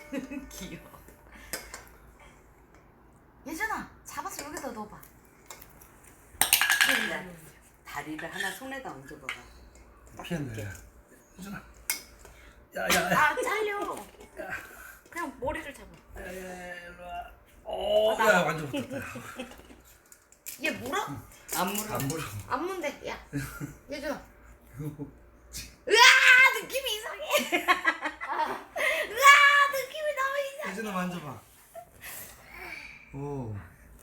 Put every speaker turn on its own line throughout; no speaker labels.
귀여워. 예준아, 잡아서 여기다 넣어봐.
다리를 하나 손에다 얹어봐봐.
피한다. 예준아.
아, 잘려. 그냥 머리를 잡아.
일로 와. 오, 야 완전 붙었다.
얘 물어?
안 물어.
안 보여.
안 문대. 야, 예준아. 으아, 느낌이 이상해. 으아, 느낌이 너무 이상해.
예준아 만져봐. 오.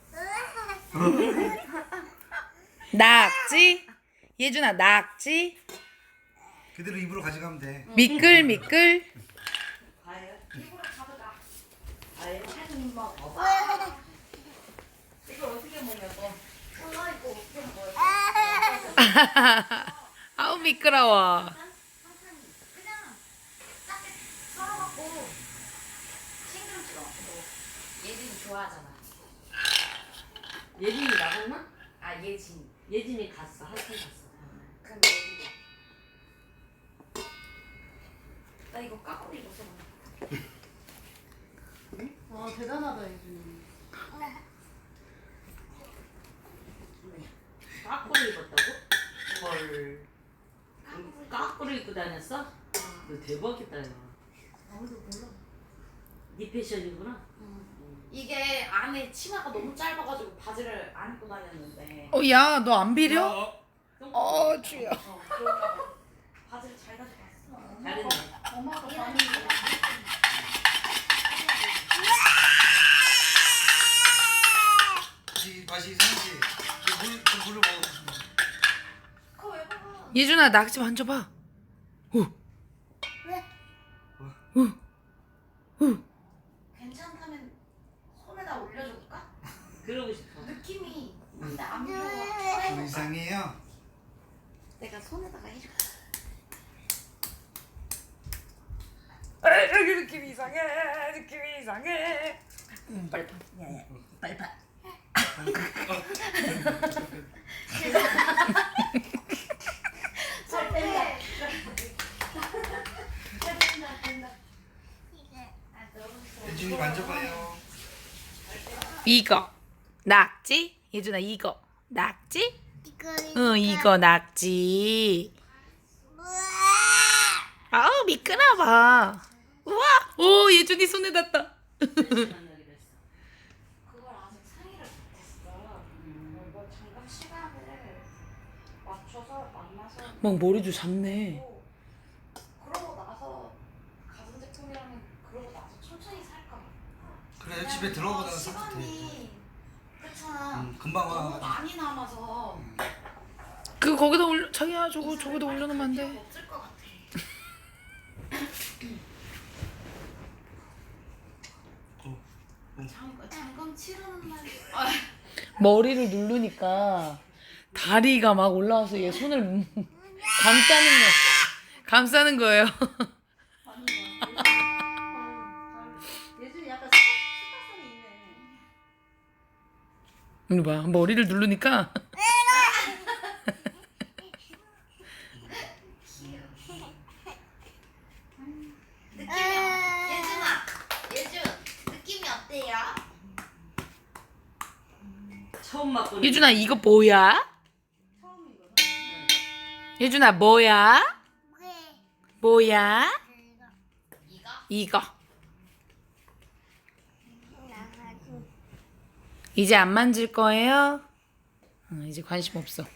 낙지? 예준아 낙지?
그대로 입으로 가져가면 돼.
미끌미끌.
과연?
입으로 가져가.
과연?
한 먹어. 이걸 어떻게 먹냐고. 엄마 이거 어떻게 먹어요?
아우 미끄러워.
그냥 딱 썰어갖고 싱그럽지 않고. 예진이 좋아하잖아.
예진이 나갔나?
아, 예진.
예진이 갔어. 한참 갔어.
그럼 예진이. 나 이거 까꾸리 입었어.
아 대단하다 예준이.
까꾸를 입었다고? 헐. 까꾸를 입고 다녔어? 너 대박이다 야.
아무도 몰라.
네 패션이구나.
이게 안에 치마가 너무 짧아가지고 바지를 안 입고 다녔는데.
야 너 안 비려? 주여.
그럴까봐 바지를 잘 가져갔어.
잘했네.
엄마가 많이
맛이 이상하지. 물을 먹어.
그거 왜 먹어?
예준아 낙지 만져봐.
괜찮다면 손에다 올려줄까?
그러고 싶어.
느낌이 근데 안 보여.
좀 이상해요.
내가 손에다가 해줄게.
여기 느낌이 이상해. 느낌이 이상해.
빨리 봐. 빨리 봐.
살 뺀다. 살 뺀다. 뺀다. 아, 너무 좋아.
예준이 만져봐요.
이거 낙지? 예준아 이거 낙지? 응 이거 낙지. 아우 미끄러워. 우와. 오 예준이 손에 닿다.
그걸 아직 상의를 못했어. 이거 잠깐 시간을 맞춰서 만나서.
막 머리도 잡네.
그러고 나서 가전제품이라면 그러고 나서 천천히 살까 봐.
그래 집에 들어가다가 사도 돼.
시간이 그렇잖아.
금방
너무
와.
많이 남아서
그 거기다 올려 자기야 저거다 올려놓으면 안 돼.
없을 것 같아. 잠깐 치르는 날.
머리를 누르니까 다리가 막 올라와서 얘 손을 감싸는 거예요.
예준이 약간 스타성이 있네.
이거 봐 머리를 누르니까
예준 느낌이 어때요?
처음 맛보는.
예준아 이거 뭐야? 예준아 뭐야? 뭐야?
이거?
이거 이제 안 만질 거예요? 이제 관심 없어.